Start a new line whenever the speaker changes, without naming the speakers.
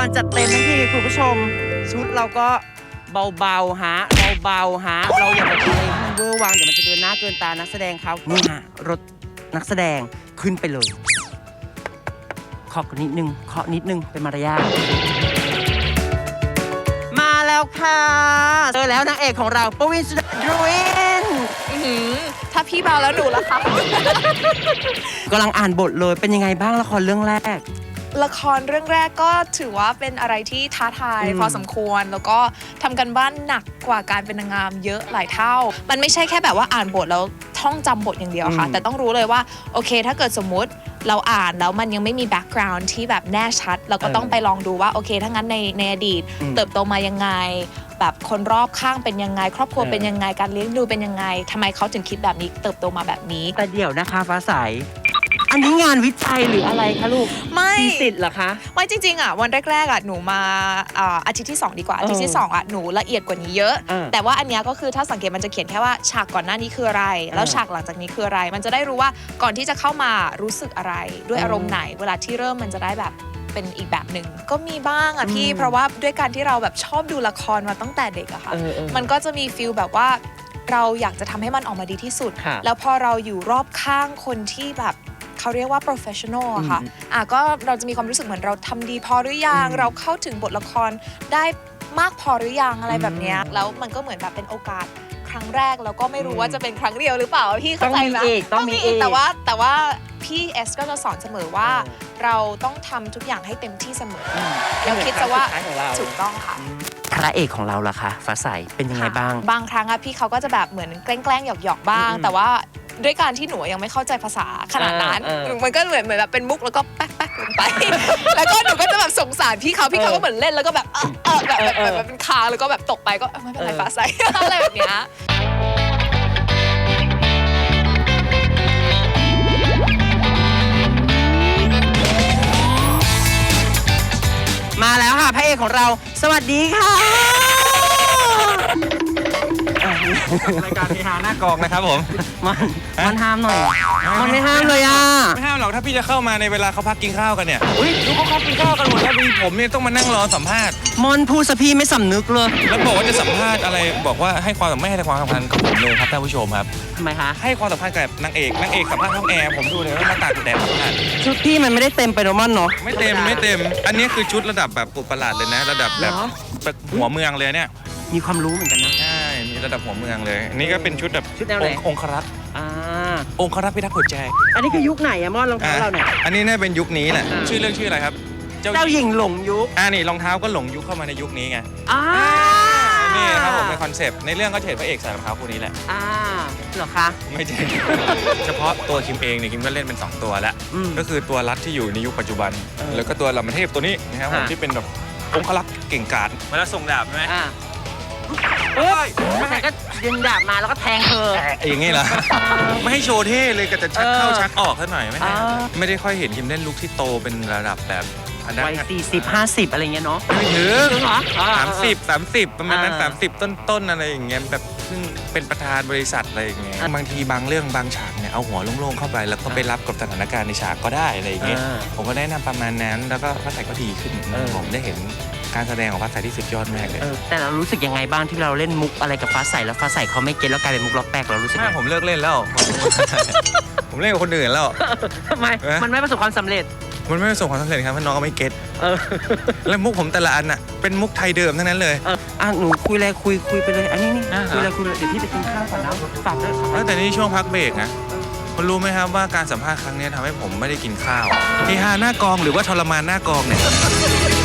รจัดเต็มทั้งทีคุณผู้ชมชุดเราก็เบาๆฮะเบาๆฮะเราอย่าไปทำอะไรที่มันเวอร์วังเดี๋ยวมันจะเกินหน้าเกินตานักแสดงเขานี่ฮะรถนักแสดงขึ้นไปเลยเคาะนิดนึงเป็นมารยาทมาแล้วค่ะเจอแล้วนางเอกของเราปวิน สุดาวิน
ถ้าพี่เบาแล้วหนูล่ะคะ
กำลังอ่านบทเลยเป็นยังไงบ้างละครเรื่องแรก
ละครเรื่องแรกก็ถือว่าเป็นอะไรที่ท้าทายพอสมควรแล้วก็ทำกันบ้านหนักกว่าการเป็นนางงามเยอะหลายเท่ามันไม่ใช่แค่แบบว่าอ่านบทแล้วท่องจำบทอย่างเดียวค่ะแต่ต้องรู้เลยว่าโอเคถ้าเกิดสมมุติเราอ่านแล้วมันยังไม่มีแบ็กกราวน์ที่แบบแน่ชัดเราก็ต้องไปลองดูว่าโอเคถ้างั้นในอดีตเติบโตมายังไงแบบคนรอบข้างเป็นยังไงครอบครัวเป็นยังไงการเลี้ยงดูเป็นยังไงทำไมเขาถึงคิดแบบนี้เติบโตมาแบบนี้
แต่เดี๋ยวนะคะฟ้าใสอันนี้งานวิจัยหรืออะไรคะลูก
ไม่
ทีสิทธิ์เหรอคะ
ไม่จริงๆอ่ะวันแรกๆอ่ะหนูมาอาทิตย์ที่2ดีกว่าอาทิตย์ที่2อ่ะหนูละเอียดกว่านี้เยอะแต่ว่าอันเนี้ยก็คือถ้าสังเกตมันจะเขียนแค่ว่าฉากก่อนหน้านี้คืออะไรแล้วฉากหลังจากนี้คืออะไรมันจะได้รู้ว่าก่อนที่จะเข้ามารู้สึกอะไรด้วยอารมณ์ไหนเวลาที่เริ่มมันจะได้แบบเป็นอีกแบบหนึ่งก็มีบ้างอ่ะพี่เพราะว่าด้วยการที่เราแบบชอบดูละครมาตั้งแต่เด็กอะค่ะมันก็จะมีฟีลแบบว่าเราอยากจะทำให้มันออกมาดีที่สุดแล้วพอเราอยู่รอบข้างคนที่แบบเขาเรียกว่า professional อะค่ะก็เราจะมีความรู้สึกเหมือนเราทำดีพอหรือยังเราเข้าถึงบทละครได้มากพอหรือยังอะไรแบบเนี้ยแล้วมันก็เหมือนแบบเป็นโอกาสครั้งแรกแล้วก็ไม่รู้ว่าจะเป็นครั้งเดียวหรือเปล่าพี่เข้าใจไหม
ต้องมีอีก
แต่ว่าพี่เอสก็จะสอนเสมอว่าเราต้องทำทุกอย่างให้เต็มที่เสมอแล้วคิดจะว่าถูกต้องค่ะ
พระเอกของเราล่ะคะฟ้าใสเป็นยังไงบ้าง
บางครั้งอะพี่เขาก็จะแบบเหมือนแกล้งหยอกบ้างแต่ว่าด้วยการที่หนูยังไม่เข้าใจภาษาขนาดนั้นมันก็เหมือนแบบเป็นมุกแล้วก็แป๊กลงไปแล้วก็หนูก็จะแบบสงสารพี่เขาก็เหมือนเล่นแล้วก็แบบแบบเป็นคางแล้วก็แบบตกไปก็ไม่เป็นไรฟ้าใสอะไรแบบเนี้ย
มาแล้วค่ะพระเอกของเราสวัสดีค่ะ
รายการเฮฮาหน้ากองนะครับผม
มันห้ามหน่อยมันไม่ห้ามเลยอ่ะ
ไม่ห้ามหรอกถ้าพี่จะเข้ามาในเวลาเขาพักกินข้าวกันเนี่ยดูเขากินข้าวกันหมดแล้วมีผมเนี่ยต้องมานั่งรอสัมภาษณ์
มอนพูดซะพี่ไม่สำนึกเลย
แล้วบอกว่าจะสัมภาษณ์อะไรบอกว่าให้ความไม่ให้ความสำคัญกับผมเลยครับท่านผู้ชมครับ
ทำไมคะ
ให้ความสำคัญกับนางเอกสัมภาษณ์ห้องแอร์ผมดูเลยว่ามาตากแดดสัมภาษณ์
ชุดพี่มันไม่ได้เต็มไปโรมอนเนาะ
ไม่เต็มอันนี้คือชุดระดับแบบปุบประหลาดเลยนะระดับแบบหัวเมืองเลยเนี่ย
มีความรู้เหมือนกันนะ
ใช่มีระดับหัวเมืองเลยนี่ก็เป็นชุดแบบองครักษ์องครักษ์พิทักษ์หัวใจ
อันนี้คือยุคไหนอะมอนรองเท้าเราเนี่ย
อันนี้น่าเป็นยุคนี้แหละชื่อเรื่องชื่ออะไรครับ
เจ้าหญิงหลงยุค
นี่รองเท้าก็หลงยุคเข้ามาในยุคนี้ไงนี่ครับผมเป็นคอนเซปต์ในเรื่องก็เฉดพระเอกใส่รองเท้าคู่นี้แหละ
เหรอคะ
ไม่ใช่เฉพาะตัวคิมเองเนี่ยคิมก็เล่นเป็น2ตัวแล้วก็คือตัวรัฐที่อยู่ในยุคปัจจุบันแล้วก็ตัวลำเทพตัวนี้นะครับผมที่เป็นแบบองครักษ์เก่งกาจเวลาส่งดาบใช่ไหม
ไม่ใช่ก็ดึงดาบมาแล้วก็แทงเธอ
อย่างงี้เหรอไม่ให้โชว์เท่เลยก็จะชักเข้าชักออกซะหน่อยไม่ได้ค่อยเห็นคิมเล่นลุคที่โตเป็นระดับแบบ
วัย40-50อะไรเงี้ยเนาะ
ไม่ถึงเหรอ30ประมาณนั้น30ต้นอะไรอย่างเงี้ยแบบเพิ่งเป็นประธานบริษัทอะไรอย่างเงี้ยบางทีบางเรื่องบางฉากเนี่ยเอาหัวโล่งๆเข้าไปแล้วก็ไปรับกับสถานการณ์ในฉากก็ได้อะไรอย่างเงี้ยผมก็แนะนำประมาณนั้นแล้วก็พระไทยก็ดีขึ้นผมได้เห็นการแสดงของฟ้าใสที่สุดยอดมากเลย
แต่เรารู้สึกยังไงบ้างที่เราเล่นมุกอะไรกับฟ้าใสแล้วฟ้าใสเขาไม่เก็ตแล้วกลายเป็นมุกล็อกแป๊กเรารู้สึก
ผมเลิกเล่นแล้วผมเล่นกับคนอื่นแล้ว
ทำไมมันไม่ประสบความสำเร็จ
มันไม่ประสบความสำเร็จครับเพราะน้องก็ไม่เก็ตแล้วมุกผมแต่ละอันน่ะเป็นมุกไทยเดิมทั้งนั้นเลย
หนูคุยอะไรคุยไปเลยอันนี้คุยอะไรเดี๋ยวพี่ไปกินข้าวก่อนนะฝากด้วย
แต่นี่ช่วงพักเบรกนะคุณรู้ไหมครับว่าการสัมภาษณ์ครั้งนี้ทำให้ผมไม่ได้กินข้าวเฮฮาหน้ากองหรือว่าทรมานหน้ากองเนี่ย